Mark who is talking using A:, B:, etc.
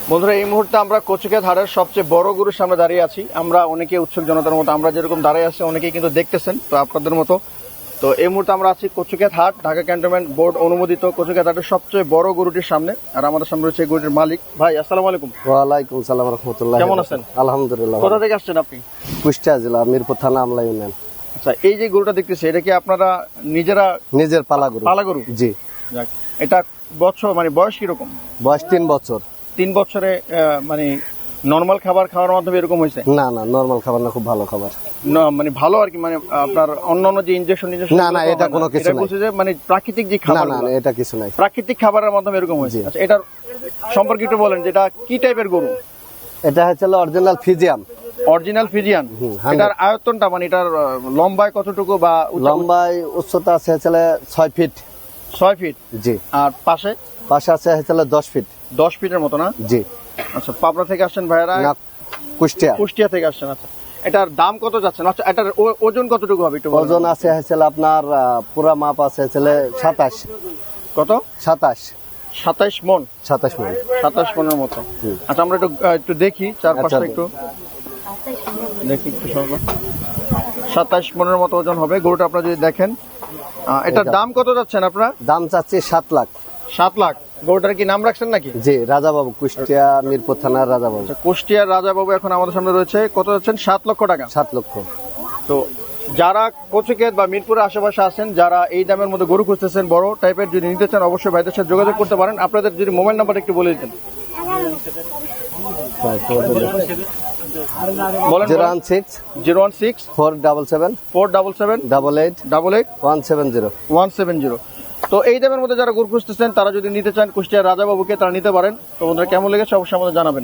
A: বন্ধুরা, এই মুহূর্তে আমরা কচুক্ষেত হাটের সবচেয়ে বড় গরুর সামনে দাঁড়িয়ে আছি। আমরা অনেকে উৎসুক জনতার মতো আমরা যেরকম দাঁড়িয়ে আছি, অনেকেই কিন্তু দেখতেছেন তো আপনাদের মতো। তো এই মুহূর্তে আমরা আছি কচুক্ষেত হাট, ঢাকা ক্যান্টনমেন্ট বোর্ড অনুমোদিত কচুক্ষেত হাটের সবচেয়ে বড় গরুটির সামনে। আর আমাদের সামনে রয়েছে এই গরুটির মালিক। ভাই, আসসালামু আলাইকুম।
B: ওয়ালাইকুম সালাম রাহমাতুল্লাহ।
A: কেমন আছেন?
B: আলহামদুলিল্লাহ।
A: কোথা থেকে আসছেন আপনি?
B: কুষ্টিয়া জেলা, মিরপুর থানা, আমলা ইউনিয়ন।
A: আচ্ছা, এই যে গরুটা দেখতেছি, এটা কি আপনারা নিজেরা
B: নিজের পালা গরু।
A: পালা গরু?
B: জি।
A: যাক, এটা বছর মানে বয়স কিরকম?
B: বয়স 3 বছর।
A: 3 বছরে মানে নরমাল খাবার খাওয়ার মাধ্যমে এরকম হয়েছে?
B: না না, নরমাল খাবার না, খুব ভালো খাবার।
A: না মানে ভালো আর কি, মানে আপনার অন্যান্য যে ইনজেকশন
B: না না, এটা কোনো কিছু নাই।
A: বলছে যে মানে প্রাকৃতিক যে
B: না
A: খাবার,
B: না, এটা কিছু নাই।
A: প্রাকৃতিক খাবারের মাধ্যমে এরকম হয়েছে। আচ্ছা, এটার সম্পর্কে একটু বলেন, যেটা কি টাইপের গরু?
B: এটা হচ্ছে অরিজিনাল ফিজিয়াম।
A: Original Friesian.
B: 100
A: এটার আয়তনটা মানে এটার লম্বায় কতটুকু বা
B: লম্বায় উচ্চতা আছে 6 ফিট।
A: 6 ফিট।
B: জি।
A: আর পাশে
B: পাশে আছে 10 ফিট।
A: 10 ফিটের মতো না?
B: জি।
A: আচ্ছা, পাবনা থেকে আসছেন ভাইরা?
B: না, কুষ্টিয়া।
A: কুষ্টিয়া থেকে আসছেন। আচ্ছা, এটার দাম কত যাচ্ছেন? আচ্ছা, এটার ওজন কতটুকু হবে একটু বলুন।
B: ওজন আছে আপনার পুরা মাপ আছে 27।
A: কত?
B: 27
A: মন।
B: 27 মণ।
A: 27 মনের মতো।
B: হুম।
A: আচ্ছা, আমরা একটু দেখি চারপাশটা
B: আচ্ছা,
A: একটু দেখি একটু সর্ব 27 মনের মতো ওজন হবে গরুটা। আপনারা যদি দেখেন, এটার দাম কত যাচ্ছেন আপনারা?
B: দাম চাচ্ছি 7 লাখ।
A: 7 লাখ। গরুটার কি নাম রাখছেন নাকি?
B: জি, রাজাবাবু, কুষ্টিয়া মিরপুর থানার রাজাবাবু।
A: আচ্ছা, কুষ্টিয়ার রাজাবাবু এখন আমাদের সামনে রয়েছে। কত যাচ্ছেন? 7 লক্ষ টাকা।
B: 7 লক্ষ।
A: তো যারা কচুক্ষেত বা মিরপুরের আশেপাশে আছেন, যারা এই দামের মধ্যে গরু খুঁজতেছেন বড় টাইপের, যদি নিতে চান অবশ্যই ভাইদের সাথে যোগাযোগ করতে পারেন। আপনাদের যদি মোবাইল নাম্বার একটু বলে দিতেন। বলেন।
B: 016
A: 016
B: 477
A: 477
B: 88
A: 88
B: 170।
A: 170। তো এই দামের মধ্যে যারা গরু খুঁজতেছেন, তারা যদি নিতে চান কুষ্টিয়ার রাজাবাবুকে, তারা নিতে পারেন। তো ওনারা কেমন লেগেছে অবশ্যই আমাদের জানাবেন।